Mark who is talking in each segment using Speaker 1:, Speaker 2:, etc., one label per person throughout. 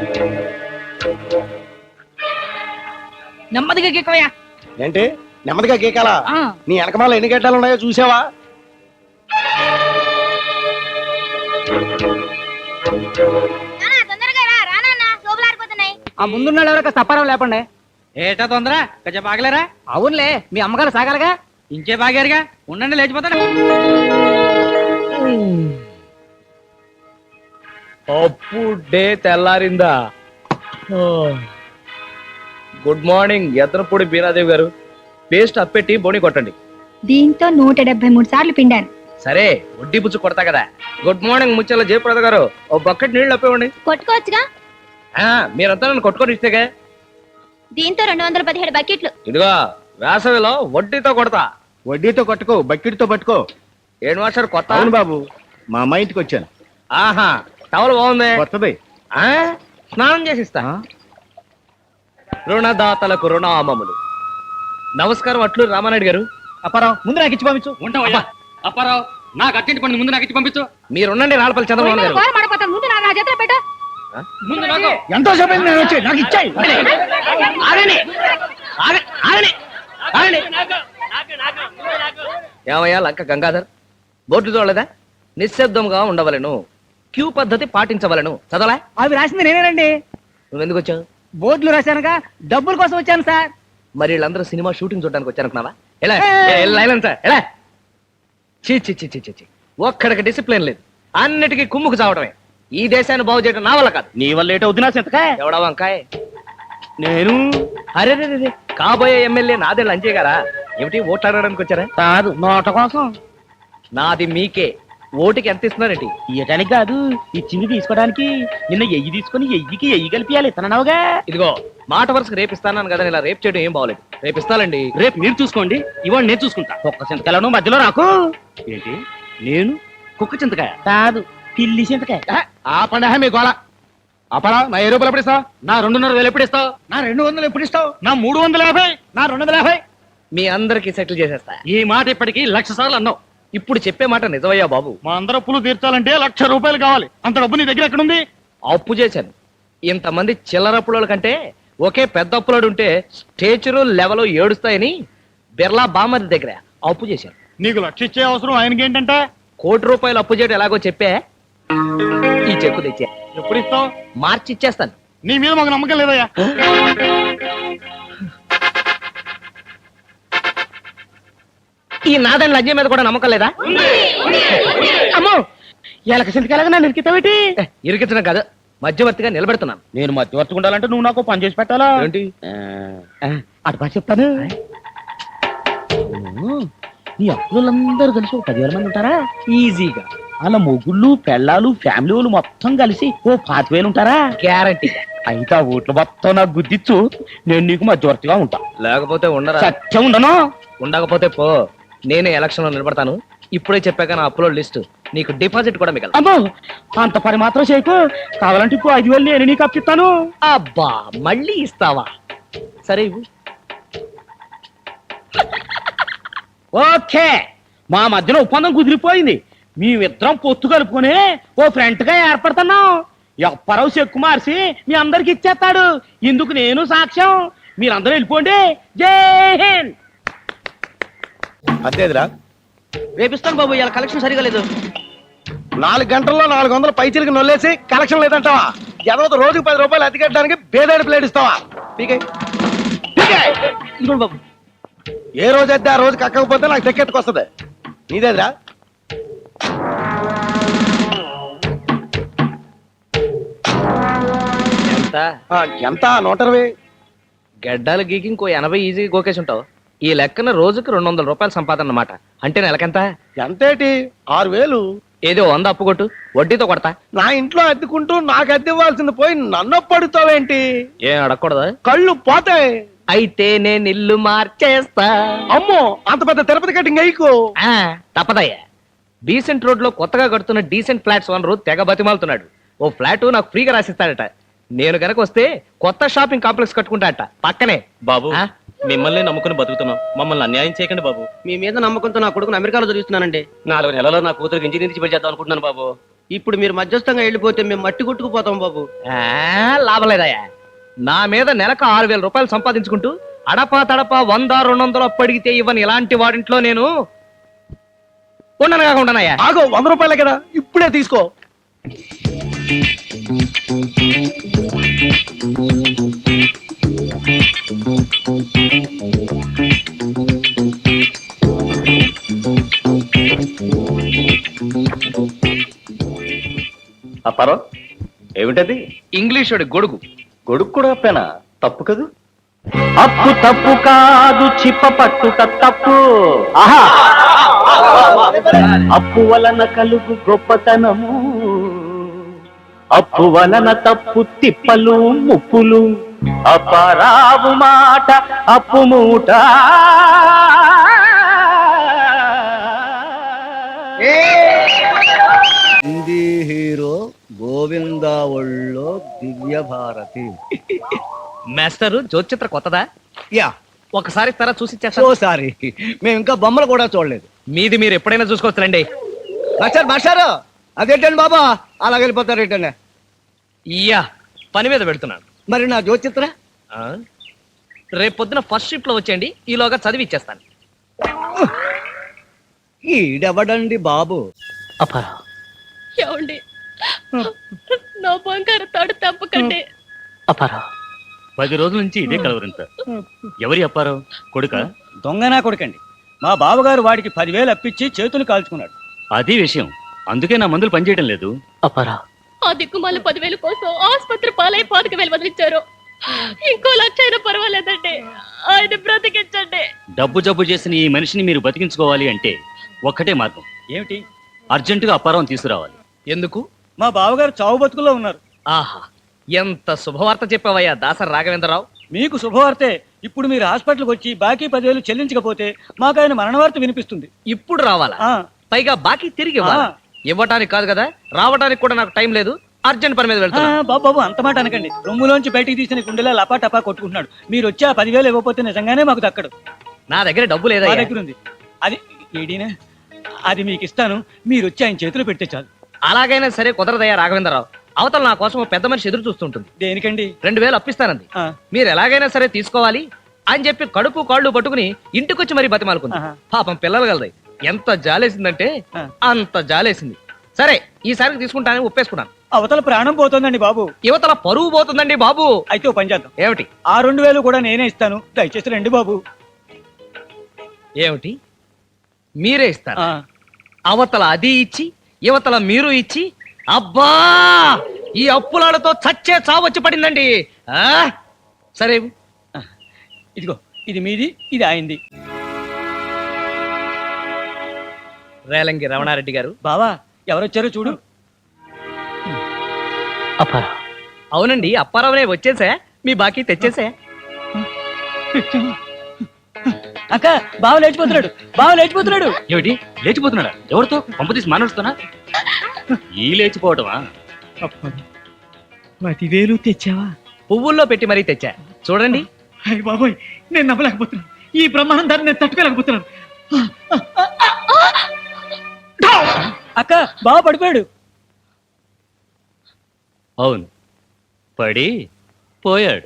Speaker 1: నెమ్మదిగా గీకవయ్యా.
Speaker 2: ఏంటి నెమ్మదిగా గీకాలా? నీ వెనకమాల ఎన్ని గడ్డలు ఉన్నాయో చూసావా?
Speaker 1: ఆ ముందున్న ఎవరో సపరం లేపండి. ఏటా తొందర కొంచెం బాగలేరా? అవునులే, మీ అమ్మగారు సాగాలిగా. ఇంకే బాగారుగా, ఉండండి లేచిపోతాడు.
Speaker 3: అప్పుడే తెల్లారిందా? గుడ్ మార్నింగ్ ఎత్తనపూడి బీనాదేవి గారు. పేస్ట్ అప్పెట్టి బోని కొట్టండి.
Speaker 4: దీంతో 173 సార్లు పిండాను.
Speaker 3: సరే, వడ్డీ పుచ్చు కొడతా కదా. గుడ్ మార్నింగ్ ముచ్చల జయప్రద గారు, ఓ బకెట్ నీళ్లు అప్పివ్వండి.
Speaker 4: కొట్టుకోవచ్చుగా.
Speaker 3: మీరంతా నన్ను కొట్టుకొని ఇస్తేగా.
Speaker 4: దీంతో 217 బకెట్లు.
Speaker 3: ఇదిగో వేసవిలో వడ్డీతో కొడతా.
Speaker 2: వడ్డీతో కొట్టుకో, బకెట్తో పట్టుకో.
Speaker 3: ఏడు మాస్టర్ కొత్త?
Speaker 2: అవును బాబు, మా అమ్మ ఇంటికి వచ్చాను.
Speaker 3: ఆహా, టవల్ బాగుంది.
Speaker 2: కొత్తది.
Speaker 3: స్నానం చేసిస్తా. రుణదాతలకు రుణామములు. నమస్కారం, అట్లు రామానాయుడు గారు.
Speaker 2: అప్పారావు, ముందు నాకు ఇచ్చి పంపించు.
Speaker 1: ఉంటావయ్యా అప్పారావు, నాకు అర్జెంట్ పని, ముందు నాకు ఇచ్చి పంపించు.
Speaker 3: మీరుండండి రాళ్ళపల్లి చంద్రబాబు గారు.
Speaker 4: ముందు నా చేతిలో పెట్టు.
Speaker 1: ముందు నాకు
Speaker 2: ఎంతో సేపు నేను వచ్చి నాకు ఇచ్చాయి.
Speaker 3: ఏమయ్యా లంక గంగాధర్, బోర్డు చూడలేదా? నిశ్శబ్దంగా ఉండవలను, క్యూ పద్ధతి పాటించవలను. చదవలా?
Speaker 1: అవి రాసింది నేనేనండి.
Speaker 3: నువ్వెందుకు వచ్చావు?
Speaker 1: బోర్డులు రాశానుగా, డబ్బుల కోసం వచ్చాను సార్.
Speaker 3: మరి వీళ్ళందరూ సినిమా షూటింగ్ చూడడానికి వచ్చారనుకున్నావా? ఎలా ఎలా? చీ చీ చీ చీ చీ, ఒక్కడికి డిసిప్లిన్ లేదు, అన్నిటికీ కుమ్ముకు చావడమే. ఈ దేశాన్ని బాగు చేయడం నా వల్ల కాదు.
Speaker 2: నీ వల్ల లేట్ అవుతున్నా సింతకాయ.
Speaker 3: ఎవడా వంకాయ?
Speaker 2: నేను
Speaker 3: అరే కాబోయే ఎమ్మెల్యే నాదేళ్ళు అంజయ్ గారా? ఏమిటి ఓట్లాడడానికి వచ్చారా?
Speaker 1: కాదు, నోట కోసం.
Speaker 3: నాది మీకే. ఓటుకి ఎంత ఇస్తున్నారేంటి?
Speaker 1: ఇయటానికి కాదు, ఇచ్చింది తీసుకోవడానికి. నిన్న ఎయ్యి తీసుకుని ఎయ్యికి ఎయ్యి కలిపియాలి తనవుగా.
Speaker 3: ఇదిగో మాట వరుసకు రేపిస్తాను కదా, ఇలా రేపు చేయడం ఏం బాగోలేదు. రేపిస్తానండి.
Speaker 1: రేపు మీరు చూసుకోండి, ఇవాళ నేను చూసుకుంటా. కుక్క చింతకాయలను మధ్యలో రాకు.
Speaker 2: ఏంటి? నేను కుక్క చింతకాయ
Speaker 1: కాదు, పిల్లి చింతకాయ.
Speaker 2: ఆ పండగ మీ గోళ. అప్పారావు, నా 7 రూపాయలు ఎప్పుడు ఇస్తావు?
Speaker 1: నా 2,500 ఎప్పుడు ఇస్తావు?
Speaker 2: నా 200 ఎప్పుడు ఇస్తావు?
Speaker 1: నా 350.
Speaker 2: నా 250.
Speaker 3: మీ అందరికి సెటిల్ చేసేస్తా.
Speaker 1: ఈ మాట ఇప్పటికి 1,00,000 సార్లు అన్నావు.
Speaker 3: ఇప్పుడు చెప్పే మాట నిజమయ్యా బాబు.
Speaker 1: మా అందరూ అప్పులు తీర్చాలంటే 1,00,000 రూపాయలు కావాలి. అంత డబ్బు నీ దగ్గర ఎక్కడుంది?
Speaker 3: అప్పు చేశాను. ఇంతమంది చిల్లరప్పుల కంటే ఒకే పెద్ద అప్పులాడు ఉంటే స్టేచరు లెవెల్ ఏడుస్తాయని బిర్లా బామ్మది దగ్గర అప్పు చేశాను.
Speaker 1: నీకు 1,00,000 ఇచ్చే అవసరం ఆయనకి ఏంటంటే?
Speaker 3: ₹1,00,000 అప్పు చేయడం ఎలాగో చెప్పే. ఈ చెక్కు తెచ్చా.
Speaker 1: ఎప్పుడు ఇస్తావు?
Speaker 3: మార్చి ఇచ్చేస్తాను.
Speaker 1: నీ మీద మాకు నమ్మకం లేదయ్యా.
Speaker 3: ఈ నాదని లజ్జ మీద కూడా నమ్మకం లేదా?
Speaker 1: అమ్మో, ఎలక చింతకాయలాగా నన్ను ఇరికితావేటి?
Speaker 3: ఇరికించడం కాదు, మధ్యవర్తిగా నిలబెడుతున్నాను.
Speaker 1: నేను మధ్యవర్తిగా ఉండాలంటే నువ్వు నాకు పని చేసి పెట్టాలా?
Speaker 3: ఏంటి?
Speaker 1: అటు బాగా చెప్తాను. నీ అప్పులందరూ కలిసి 10,000 మంది ఉంటారా?
Speaker 3: ఈజీగా.
Speaker 1: అలా మొగుళ్ళు పెళ్ళాలు ఫ్యామిలీ వాళ్ళు మొత్తం కలిసి 25,000 ఉంటారా?
Speaker 3: గ్యారంటీ.
Speaker 1: అయితే ఆ ఓట్లు మొత్తం నాకు గుర్తిచ్చు, నేను నీకు మధ్యవర్తిగా ఉంటా.
Speaker 3: లేకపోతే ఉండరా?
Speaker 1: సత్యం ఉండను.
Speaker 3: ఉండకపోతే పో, నేనే ఎలక్షన్ లో నిలబడతాను. ఇప్పుడే చెప్పాక నా అప్లోడ్ లిస్ట్ నీకు డిపాజిట్ కూడా మిగలదు.
Speaker 1: అమ్మో, అంత పని మాత్రం చేయకు. కావాలంటే ఇప్పుడు 5,000 నేను నీకు అప్పిస్తాను.
Speaker 3: అబ్బా, మళ్ళీ ఇస్తావా? సరే ఇవ్వు.
Speaker 1: ఓకే, మా మధ్యలో ఒప్పందం కుదిరిపోయింది. మేమిద్దరం పొత్తు కలుపుకొని ఓ ఫ్రెంట్ గా ఏర్పడుతున్నాం. అప్పారావు చెక్కు మార్చి మీ అందరికి ఇచ్చేస్తాడు. ఇందుకు నేను సాక్ష్యం. మీరందరూ వెళ్ళిపోండి. జై హింద్.
Speaker 2: అంతేదిరా,
Speaker 3: రేపిస్తాను బాబు, ఇలా కలెక్షన్ సరిగా లేదు.
Speaker 2: 4 గంటల్లో 400 పైచీలకి నొల్లేసి కలెక్షన్ లేదంటావా? ఎవరో రోజుకి 10 రూపాయలు అతికెట్టడానికి బేదాడి ప్లేట్ ఇస్తావా?
Speaker 3: ఇదిగోండి బాబు.
Speaker 2: ఏ రోజు అయితే ఆ రోజు కక్కకపోతే నాకు తెక్కెత్తుకొస్తుంది. నీదేదిరా?
Speaker 3: ఎంత?
Speaker 2: ఎంత? 120.
Speaker 3: గడ్డాలు గీకి ఇంకో 80 ఈజీ గోకేసి ఉంటావు. ఈ లెక్కన రోజుకి ₹200 సంపాదన అన్నమాట. అంటే నెలకెంత?
Speaker 2: ఎంతేటి? 6,000.
Speaker 3: ఏదో 100 అప్పు కొట్టు, వడ్డీతో కొడతా.
Speaker 2: నా ఇంట్లో అద్దెకుంటూ నాకు అద్దె ఇవ్వాల్సింది పోయి నన్ను పడుతావేంటి?
Speaker 3: ఏం అడగకూడదా?
Speaker 2: కళ్ళు పోతాయి.
Speaker 3: అయితే నేను ఇల్లు మార్చేస్తా.
Speaker 2: అమ్మో, అంత పెద్ద తిరుపతి కటింగ్ అయ్యకు.
Speaker 3: తప్పదయ్యా. డీసెంట్ రోడ్ లో కొత్తగా కడుతున్న డీసెంట్ ఫ్లాట్స్ ఓనరు తెగ బతిమాలుతున్నాడు. ఓ ఫ్లాట్ నాకు ఫ్రీగా రాసిస్తాడట. నేను గనక వస్తే కొత్త షాపింగ్ కాంప్లెక్స్ కట్టుకుంటాడట పక్కనే.
Speaker 5: బాబు, మిమ్మల్ని నమ్ముకుని బతుకుతున్నాం, మమ్మల్ని అన్యాయం చేయకండి బాబు.
Speaker 6: మీ మీద నమ్మకంతో నా కొడుకుని అమెరికాలో చదివిస్తున్నానండి.
Speaker 5: 4 నెలల్లో నా కూతురికి ఇంజనీరింగ్ చేద్దాం అనుకుంటున్నాను బాబు.
Speaker 2: ఇప్పుడు మీరు మధ్యస్థంగా వెళ్ళిపోతే మేము మట్టి కొట్టుకుపోతాం బాబు.
Speaker 3: లాభం లేదయ్యా. నా మీద నెలకు 6,000 రూపాయలు సంపాదించుకుంటూ అడపా తడపా 100-200 అప్పు అడిగితే ఇవ్వని ఇలాంటి వాడింట్లో నేను ఉండను కాక ఉండనయ్యా.
Speaker 2: ఆగో 100 రూపాయలే కదా, ఇప్పుడే తీసుకో.
Speaker 5: అప్పారో ఏమిటది?
Speaker 3: ఇంగ్లీషుడి గొడుగు.
Speaker 5: గొడుగు కూడా అప్పేనా? తప్పు కదూ.
Speaker 1: అప్పు తప్పు కాదు, చిప్ప పట్టుట తప్పు. ఆహా, అప్పు వలన కలుగు గొప్పతనము, అప్పు వలన తప్పు తిప్పలు ముప్పులు. అపరావు మాట అప్పు మూట.
Speaker 2: హిందీ హీరో గోవిందా ఒళ్ళో దివ్య భారతి.
Speaker 3: మాస్టరు జ్యోతిచిత్ర కొత్తదా?
Speaker 2: యా,
Speaker 3: ఒకసారి ఇస్తారా చూసి ఇచ్చేస్తా.
Speaker 2: సారీ, మేము ఇంకా బొమ్మలు కూడా చూడలేదు.
Speaker 3: మీది మీరు ఎప్పుడైనా చూసుకోవచ్చులండి.
Speaker 2: మాస్టారు అదేంటండి బాబా అలా వెళ్ళిపోతారు ఏంటండి?
Speaker 3: ఇయ్యా, పని మీద పెడుతున్నాను.
Speaker 2: మరి నా జ్యోతిచిత్ర
Speaker 3: ఆ? రేపు పొద్దున ఫస్ట్ షిఫ్ట్ లో వచ్చేయండి, ఈలోగా చదివి ఇచ్చేస్తాను.
Speaker 2: ఈడెవడండి బాబు?
Speaker 3: అప్పారా,
Speaker 4: ఏమండి నా బంగారు తాడు తప్పకండి.
Speaker 5: అప్పారా 10 రోజుల నుంచి ఇదే కలవరింత. ఎవరి అప్పారో కొడుక?
Speaker 6: దొంగనా కొడుకండి. మా బావగారు వాడికి 10,000 అప్పిచ్చి చేతులు కాల్చుకున్నాడు.
Speaker 5: అది విషయం. అందుకే నా మందులు పనిచేయటం లేదు.
Speaker 3: అప్పారా,
Speaker 4: ఆ దిక్కుమాల 10,000 కోసం ఆసుపత్రి పాలై 5,000 వదిలించారు. ఇంకో 1,00,000 అయినా పర్వాలేదండి, ఆయన బ్రతికించండి.
Speaker 5: డబ్బు జబ్బు చేసిన ఈ మనిషిని మీరు బతికించుకోవాలి అంటే ఒక్కటే మార్గం.
Speaker 6: ఏమిటి?
Speaker 5: అర్జెంటుగా అప్పారం తీసుకురావాలి.
Speaker 3: ఎందుకు?
Speaker 6: మా బావగారు చావు బతుకుల్లో ఉన్నారు.
Speaker 3: ఆహా, ఎంత శుభవార్త చెప్పావయ్యా దాసరి రాఘవేంద్రరావు.
Speaker 6: మీకు శుభవార్తే. ఇప్పుడు మీరు హాస్పిటల్కి వచ్చి బాకీ 10,000 చెల్లించకపోతే మాకు ఆయన మరణ వార్త వినిపిస్తుంది.
Speaker 3: ఇప్పుడు రావాలా?
Speaker 6: ఆ,
Speaker 3: పైగా బాకీ తిరిగి ఇవ్వాలా? ఇవ్వటానికి కాదు కదా, రావటానికి కూడా నాకు టైం లేదు. అర్జెంట్ పని మీద వెళ్తున్నా.
Speaker 6: బాబు అంత మాట అనకండి. రొమ్ములోంచి బయటికి తీసిన గుండెలా లపా టపా కొట్టుకుంటున్నాడు. మీరు వచ్చి ఆ 10,000 ఇవ్వకపోతే నిజంగానే మాకు దక్కడు.
Speaker 3: నా దగ్గర డబ్బు లేదా?
Speaker 6: మా దగ్గర ఉంది. అది ఏడీనా, అది మీకు ఇస్తాను. మీరు వచ్చి ఆయన చేతిలో పెడితే చాలు.
Speaker 3: అలాగైనా సరే కుదరదయ్యా రాఘవేంద్రరావు. అవతల నా కోసం ఓ పెద్ద మనిషి ఎదురు చూస్తుంటుంది.
Speaker 6: దేనికండి?
Speaker 3: 2,000 అప్పిస్తానంది.
Speaker 6: ఆ,
Speaker 3: మీరు ఎలాగైనా సరే తీసుకోవాలి అని చెప్పి కడుపు కాళ్ళు పట్టుకుని ఇంటికొచ్చి మరీ బతిమాలుకుంది.
Speaker 6: ఆహా.
Speaker 3: పాపం పిల్లలు కలది. ఎంత జాలేసిందంటే
Speaker 6: ఆ.
Speaker 3: అంత జాలేసింది. సరే, ఈసారికి తీసుకుంటానని ఒప్పేసుకున్నాను.
Speaker 6: అవతల ప్రాణం పోతోందండి బాబు.
Speaker 3: యువతల పరువు పోతుందండి బాబు.
Speaker 6: అయితే ఓ పని చేద్దాం.
Speaker 3: ఏమిటి?
Speaker 6: ఆ 2,000 కూడా నేనే ఇస్తాను. దయచేసి రండి బాబు.
Speaker 3: ఏమిటి? మీరే ఇస్తారు?
Speaker 6: ఆ,
Speaker 3: అవతల అది ఇచ్చి యువతల మీరు ఇచ్చి, అబ్బా ఈ అప్పులాలతో చచ్చే చావొచ్చి పడిందండి. ఆ సరే,
Speaker 6: ఇదిగో ఇది మీది, ఇది ఆయనది.
Speaker 3: రేలంగి రమణారెడ్డి గారు.
Speaker 6: బావా ఎవరొచ్చారో చూడు.
Speaker 3: అవునండి, అప్పారావునే వచ్చేసా. మీ బాకీ తెచ్చేసా.
Speaker 6: అక్క బావ లేచిపోతున్నాడు, బావ లేచిపోతున్నాడు.
Speaker 5: ఏమిటి? లేచిపోతున్నాడా? ఎవరితో? పంపతీసి మానవుస్తున్నా? ఈ లేచిపోవటమా?
Speaker 6: 10,000 తెచ్చావా?
Speaker 3: పువ్వుల్లో పెట్టి మరీ తెచ్చా. చూడండి.
Speaker 6: అయ్య బాబోయ్, నేను నమ్మలేకపోతున్నాను. ఈ బ్రహ్మాండాన్ని నేను తట్టుకోలేకపోతున్నాను. అక్క బావ పడిపోయాడు.
Speaker 5: అవును, పడి పోయాడు.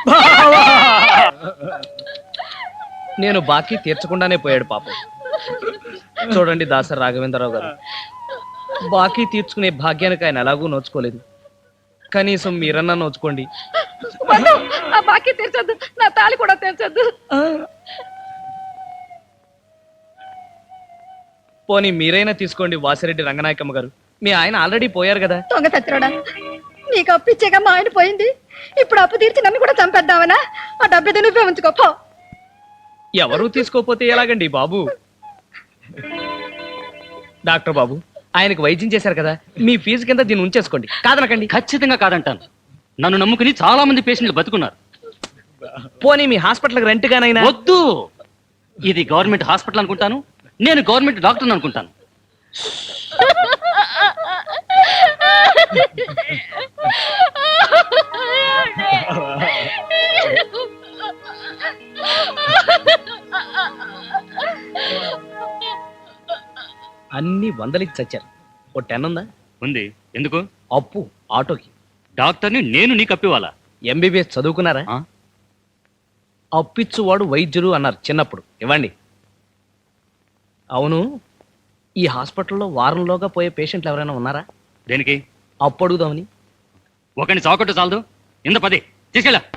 Speaker 3: నేను బాకీ తీర్చకుండానే పోయాడు పాపం. చూడండి దాసరి రాఘవేంద్రరావు గారు, బాకీ తీర్చుకునే భాగ్యానికి ఆయన ఎలాగూ నోచుకోలేదు. కనీసం మీరన్నా నోచుకోండి.
Speaker 4: ఆ బాకీ తీర్చొద్దు, నా తాళి కూడా తీర్చొద్దు.
Speaker 3: పోనీ మీరైనా తీసుకోండి వాసిరెడ్డి రంగనాయకమ్మ గారు. మీ ఆయన ఆల్రెడీ పోయారు కదా.
Speaker 4: దొంగ సత్యరోడా, నీకు అప్పు ఇచ్చాక మా ఆయన పోయింది. ఇప్పుడు అప్పు తీర్చి నన్ను కూడా చంపేద్దామనా? ఆ డబ్బు నువ్వే ఉంచుకోపో.
Speaker 3: ఎవరూ తీసుకోపోతే ఎలాగండి బాబు? డాక్టర్ బాబు, ఆయనకు వైద్యం చేశారు కదా, మీ ఫీజు కింద దీన్ని ఉంచేసుకోండి. కాదనకండి.
Speaker 5: ఖచ్చితంగా కాదంటాను. నన్ను నమ్ముకుని చాలా మంది పేషెంట్లు బతుకున్నారు.
Speaker 3: పోనీ మీ హాస్పిటల్కి రెంట్ గానైనా.
Speaker 5: వద్దు, ఇది గవర్నమెంట్ హాస్పిటల్ అనుకుంటాను. నేను గవర్నమెంట్ డాక్టర్ అనుకుంటాను.
Speaker 3: అన్ని 100కి చచ్చారు. ఓ 10 ఉందా?
Speaker 5: ఉంది. ఎందుకు?
Speaker 3: అప్పు ఆటోకి.
Speaker 5: డాక్టర్ని నేను నీకు అప్పివాలా?
Speaker 3: ఎంబీబీఎస్ చదువుకున్నారా?
Speaker 5: ఆ?
Speaker 3: అప్పిచ్చువాడు వైద్యుడు అన్నారు చిన్నప్పుడు. ఇవ్వండి. అవును, ఈ హాస్పిటల్లో వారంలోగా పోయే పేషెంట్లు ఎవరైనా ఉన్నారా?
Speaker 5: దేనికి?
Speaker 3: అప్పు అడుగుదామని.
Speaker 5: ఒకని చాకొట్టు చాలదు. ఇంత 10 తీసుకెళ్ళా.